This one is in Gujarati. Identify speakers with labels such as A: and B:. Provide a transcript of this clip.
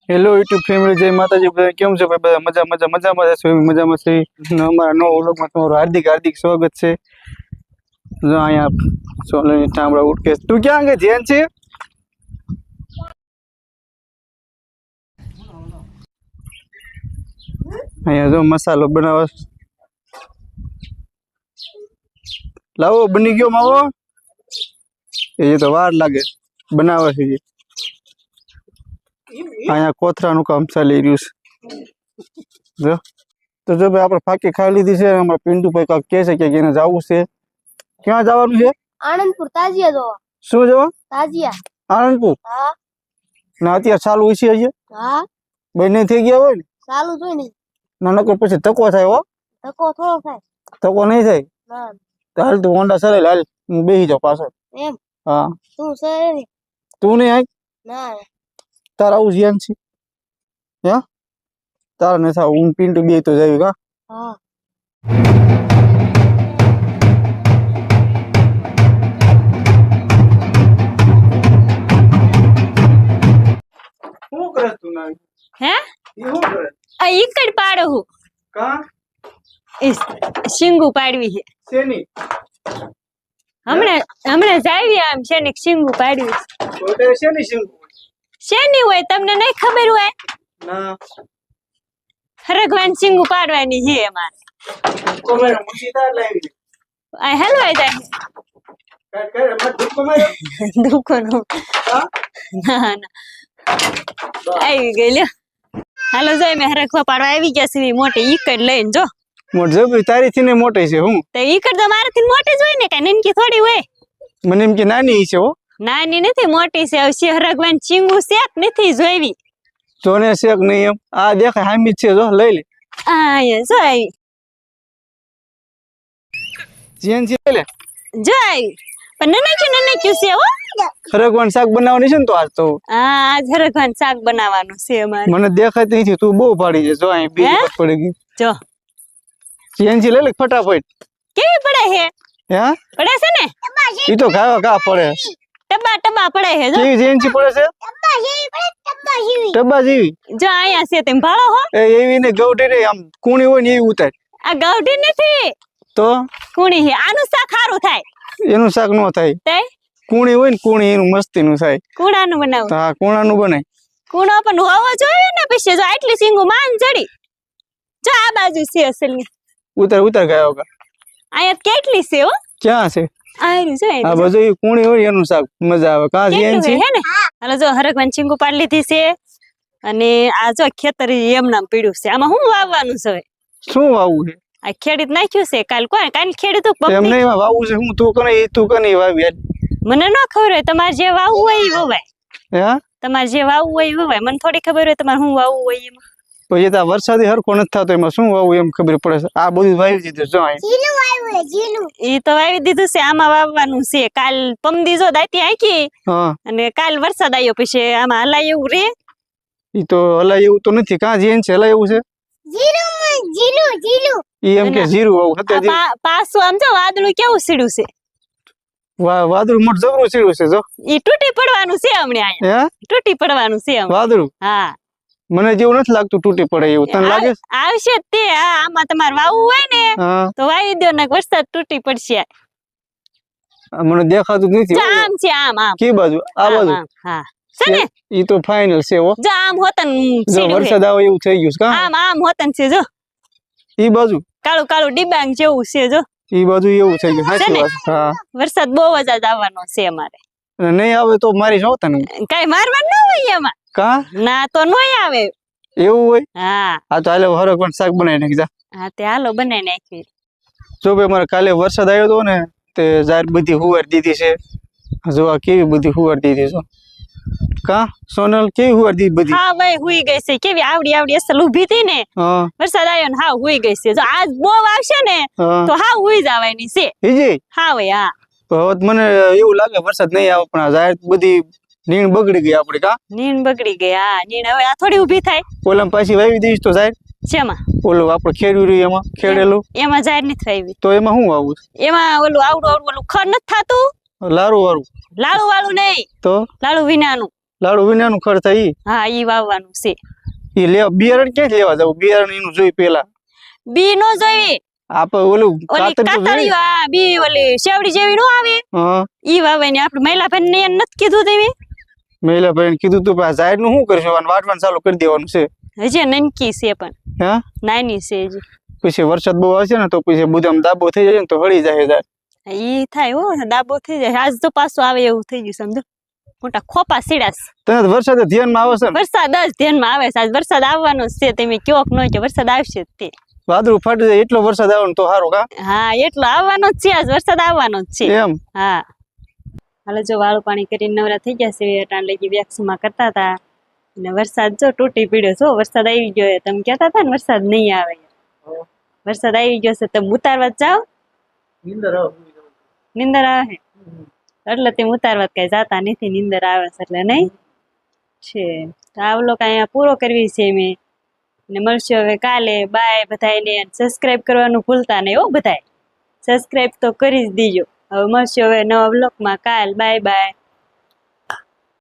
A: હેલો યુટ્યુબ ફેમિલી, જય માતાજી. બધા કેમ છો ભાઈ? બધા મજામાં જશો, મજામાં છે. અમારા નવા વ્લોગમાં તમારું હાર્દિક હાર્દિક સ્વાગત છે. જો અહીંયા સોલની ટામડા ઉઠકે. તું ક્યાં ગઈ? ધ્યાન છે અહીંયા. જો મસાલો બનાવો. લાવો, બની ગયો માવો. એ તો વાર લાગે બનાવે છે. અહીંયા કોથરાનું કામ ચાલી રહ્યું છે. જો તો જો ભાઈ આપણે ફાકી ખાઈ લીધી છે. અમારા પિન્ટુભાઈ કાંક કહે છે કે એને જવું છે. ક્યાં જવાનું છે?
B: આનંદપુર તાજિયા જોવા.
A: શું જવા?
B: તાજિયા.
A: આનંદપુર?
B: હા.
A: ના અત્યારે ચાલુ છે હજી?
B: હા.
A: બંને થઈ ગયા હોય ને?
B: ચાલુ જ હોય ને.
A: ના નકર પછી ધક્કો થાય. હો
B: ધક્કો થોડો થાય.
A: ધક્કો નહીં થાય.
B: ના.
A: તો હાલ તું હોન્ડા ચલાવી હાલ, હું બેસી જાઉં પાછળ.
B: એમ?
A: હા.
B: તું છે ને?
A: તું નહીં આય?
B: ના.
A: તારા આવું ધ્યાન છે? હે તારા ને થાવ, હું પિન્ટુ બે તો જાય. કા?
B: હા.
A: શું કરે તું? ના
C: હે
A: એ શું કરે?
C: આ ઈકડ પાડો હું
A: કા?
C: શીંગુ પાડવી છે.
A: શેની?
C: હમણાં જાવી આમ છે ને શીંગુ પાડવી.
A: કોઈ શેની શીંગુ?
C: શેની હોય તમને નહીં ખબર હોય?
A: ના.
C: હરગવાન શીંગુ પાડવાની છે અમારે.
A: કોમેર મુસીતા લાવી.
C: આ હલવાઈ જાય
A: કાટ કાટ મત દુખ કોમેર.
C: દુકોનો.
A: હા?
C: ના આવી ગઈ લ્યો. હાલો જોઈ મેં હરગવા પાડવા આવી ગયા છે મોટી ઈકડ લઈને. જો
A: મોટ જબરી તારી થી ને મોટી છે. હું
C: તો ઈકડ તો મારાથી મોટી જ હોય ને, કઈ નનકી થોડી હોય.
A: મને એમ કે નાની છે. હો
C: નાની નથી મોટી છે. હવે હરગવાન શીંગુ શેક નથી જોઈવી.
A: જોને શેક નહીં એમ. આ દેખાય હામી છે. જો લઈ લે.
C: આ જો આવી.
A: જેન છે લે.
C: જો આવી પણ નનક્યું છે. હો
A: ખરગવાન શાક બનાવવાની છે ને તો આજ તો.
C: હા આજ હરગવાન શાક બનાવવાનું છે અમારે.
A: મને દેખાતી નથી. તું બહુ પાડી છે. જો અહીં બીજી વાત પડી ગઈ.
C: જો
A: જેન છે લઈ લે ફટાફટ.
C: કેવી પડે હે?
A: હે
C: પડે છે ને?
A: ઈ તો ઘા પડે.
C: ટબા ટબા પડે હે. જો
A: કેવી જેન છે પડે છે? ટબા જેવી.
C: જો અહીંયા છે તેમ ભાળો હો.
A: એ એવી ને ગૌટી રે આમ કુણી હોય ને એવી ઉતાર.
C: આ ગાવઠી નથી
A: તો
C: કુણી હે. આનું શાક સારું થાય.
A: એનું શાક નો થાય.
C: તે
A: કુણી હોય ને કુણી એનું મસ્તી નું થાય.
C: કુણાનું બનાવું.
A: હા કુણાનું બને.
C: કુણો પણ હોવો જોઈએ ને. પછી જો આટલી સિંગુ માન ચડી. જો આ બાજુ છે અસલની.
A: ઉતાર ગયો કા.
C: અહીંયા કેટલી છે હો.
A: ક્યાં છે?
C: આયરું છે.
A: આ બધું ઈ કુણી હોય એનું શાક મજા આવે. કા જેન છે
C: હે ને? હાલો જો હરગવાન શીંગુ પાડી લીધી છે. અને આ જો ખેતર એમ નામ પીડ્યું છે. આમાં શું વાવવાનું છે હવે?
A: શું વાવવું છે?
C: આ ખેડૂત નાખ્યું છે. કાલ ખેડૂત
A: એમ નહીં વાવવું છે. હું તું કને વાવી યાર.
C: મને ન ખબર હોય. તમારે જે વાવવું હોય એ વવાય.
A: હે
C: તમારે જે વાવવું હોય એ વવાય. મને થોડી ખબર હોય તમારે શું વાવવું હોય એમાં.
A: પછી ત્યાં વરસાદી હરખો નથી થતો. એમાં શું વાવવું એમ ખબર પડે છે. આ બધું વાવી દીધું. જો
C: એ તો વાવી દીધું છે. આમાં વાવવાનું છે. કાલ પમદી જો દાંતી આંકી.
A: હા.
C: અને કાલ વરસાદ આવ્યો પછી આમાં હલાય એવું રે.
A: ઈ તો હલાય એવું તો નથી. કાં જેન છે હલાય એવું છે? ઈ એમ કે જીરું વાવું હતું.
C: પાછું આમ જો વાદળું કેવું સીડ્યું છે.
A: વાદળું મોટ જબરું સીડ્યું છે. જો
C: ઈ તૂટી પડવાનું છે હમણાં. અહીંયા તૂટી પડવાનું છે
A: વાદળું.
C: હા
A: મને જેવું નથી લાગતું તૂટી પડે એવું. તને લાગે?
C: આવશે તે. આમાં તમારે વાવવું હોય ને તો વાવી દો ને વરસાદ તૂટી પડશે.
A: મને દેખાતું નથી.
C: આમ છે આમ આમ.
A: કે બાજુ? આ બાજુ.
C: હા છે ને?
A: ઈ તો ફાઇનલ છે. હો
C: જો આમ હોતન
A: જો વરસાદ આવે એવું થઈ ગયું છે. કા
C: આમ આમ હોતન છે. જો
A: ઈ બાજુ
C: કાળું કાળું ડિબાંગ જેવું છે. જો
A: ઈ બાજુ એવું થઈ ગયું. સાચી વાત. હા
C: વરસાદ બહુ જ આવવાનો છે અમારે.
A: નહીં આવે તો મારી જો તને.
C: કઈ મારવાનું ન હોય એમાં.
A: કા
C: ના તો નોય આવે
A: એવું હોય.
C: હા
A: આ તો હાલે હરગવાન શાક બનાવી નાખી જા.
C: હા તે હાલો બનાવી નાખી.
A: જો ભાઈ મારે કાલે વરસાદ આવ્યો હતો ને તે જાર બધી હુવાર દીધી છે. જો આ કેવી બધી હુવાર દીધી છે. કા સોનલ કેવી હુવાર દીધી બધી?
C: હા ભાઈ હુઈ ગઈ છે. કેવી આવડી આવડી અસલ ઊભી હતી ને.
A: હા
C: વરસાદ આવ્યો ને હા હુઈ ગઈ છે. જો આજ બહુ આવશે ને તો હા હુઈ જવાની છે.
A: હીજી
C: હા ભાઈ હા.
A: તો મને એવું લાગે વરસાદ નહીં આવે પણ જાર બધી નીણ બગડી ગઈ આપડી. કા
C: નીણ બગડી ગઈ. હા નીણ હવે આ થોડી ઊભી થાય.
A: ઓલામ પાછી વાવી દઈશ તો જાય.
C: શેમાં?
A: ઓલું આપણે ખેડ્યું રહ્યું એમાં ખેડેલું.
C: એમાં જાહેર નથી વાવી.
A: તો એમાં શું વાવું?
C: એમાં ઓલું આવડું આવડું ઓલું ખર નથી થતું.
A: લારું વાળું?
C: લાડુ વાળું નહીં
A: તો
C: લાડુ વિનાનું.
A: લાડુ વિનાનું ખર્ચ થાય ઈ
C: હા ઈ વાવવાનું છે.
A: ઈ લેવા બિયારણ ક્યાંથી લેવા જવું બિયારણ એનું જોઈ પેલા
C: બી નો જોઈ
A: આપણે ઓલું
C: ઓલી
A: કાતર તો જોઈ.
C: કાતળિયું આ બી ઓલી શેવડી જેવી નો આવે
A: હા
C: ઈ વાવવાની આપણે મહિલા ભાઈ ને નથી કીધું તેવી
A: મહિલા ભાઈ કીધું તું પણ ઝાડ નું શું કરશું અને વાટવાનું ચાલુ કરી દેવાનું છે
C: હજી નનકી છે પણ
A: હા
C: નાની છે હજી.
A: પછી વરસાદ બહુ આવશે ને તો પછી બુધામ દાબો થઈ જાય ને તો હળી જાય ઝાડ
C: ઈ થાય હો દાબો થઈ જાય આજ તો પાછું આવે એવું થઈ ગયું સમજો મોટા ખોપા સીડાસ
A: તને તો વરસાદ ધ્યાનમાં આવે છે ને
C: વરસાદ જ ધ્યાનમાં આવે છે આજ વરસાદ આવવાનો જ છે તમે કયો કે ન કે વરસાદ આવશે જ તે
A: વાદળું ફાટી જાય એટલો વરસાદ આવે ને તો સારું કા
C: હા એટલો આવવાનો જ છે આજ વરસાદ આવવાનો જ છે
A: એમ
C: હા હાલો જો વાળું પાણી કરીને નવરા થઈ ગયા છે અટાણ લગી વેક્સમાં કરતા હતા અને વરસાદ જો તૂટી પડ્યો છો વરસાદ આવી ગયો તમે કહેતા હતા ને વરસાદ નહીં આવે વરસાદ આવી ગયો છે તમે ઉતારવા જ જાઓ નીંદર આવે એટલે તેમ ઉતારવા કઈ જાતા નથી નીંદર આવે છે એટલે નહીં છે તો આ લોકો અહીંયા પૂરો કરવી છે મેં ને મળશે હવે કાલે બાય બધાને સબસ્ક્રાઇબ કરવાનું ભૂલતા નહીં હો બધાય સબસ્ક્રાઇબ તો કરી જ દીજો હવે મળશે હવે નવા બ્લોગમાં કાલ બાય બાય